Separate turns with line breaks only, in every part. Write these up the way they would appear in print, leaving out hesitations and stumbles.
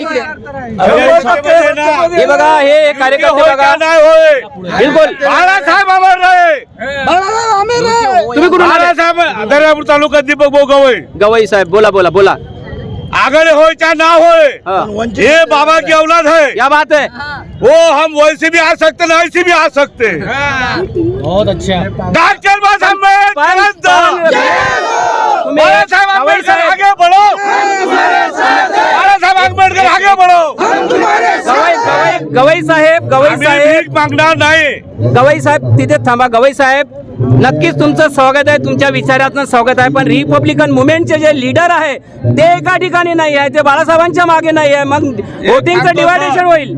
इकडे हे बघा, हे कार्यकर्ते बघा, बिलकुल
बाळासाहेब आम्हाला
तुम्ही कुठून आले?
बाळासाहेब दर्यापूर तालुका दीपक भाऊ गवई
गवई साहेब बोला बोला बोला.
आगड़े हो चाहे ना होए,
हाँ।
ये बाबा की औलाद है।
क्या बात है,
वो हम वैसे भी आ सकते ना ऐसे भी आ सकते।
बहुत अच्छा.
डॉक्टर बाबा साहेब आंबेडकर आगे बढ़ो, बाळा साहेब आंबेडकर आगे बढ़ो.
गवई साहेब
आम्ही भीक मागणार नाही.
गवई साहेब तिथे थांबा. गवई साहेब नक्कीच तुमचं स्वागत आहे, तुमच्या विचारातनं स्वागत आहे, पण रिपब्लिकन मुवमेंटचे जे लीडर आहे ते एका ठिकाणी नाही आहे, ते बाळासाहेबांच्या मागे नाही आहे, मग वोटिंगचं डिवायडेशन होईल.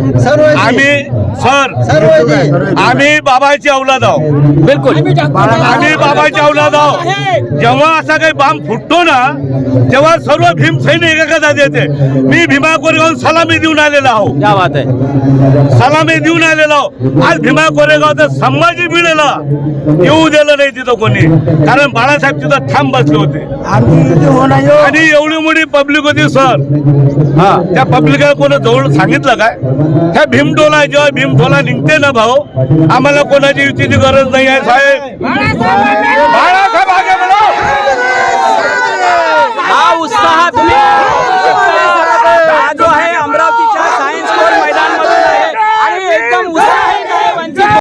आम्ही बाबाची औलाद आहोत.
बिलकुल
आम्ही बाबाची औलाद आहोत. जेव्हा असा काही बांब फुटतो ना तेव्हा सर्व भीम सैनिक एकदा देते. मी भीमा कोरेगाव सलामी देऊन आलेला आहो.
क्या बात आहे.
सलामी देऊन आलेला आहो. आज भीमा कोरेगाव संभाजी भिडेला येऊ दिलं नाही तिथं कोणी, कारण बाळासाहेब तिथं ठाम बसले होते आणि एवढी मोठी पब्लिक होती सर.
हा
त्या पब्लिकला कोणा जवळ सांगितलं काय? त्या भीमटोला जेव्हा भीमटोला निघते ना भाऊ, आम्हाला कोणाची युतीची गरज नाही आहे साहेब.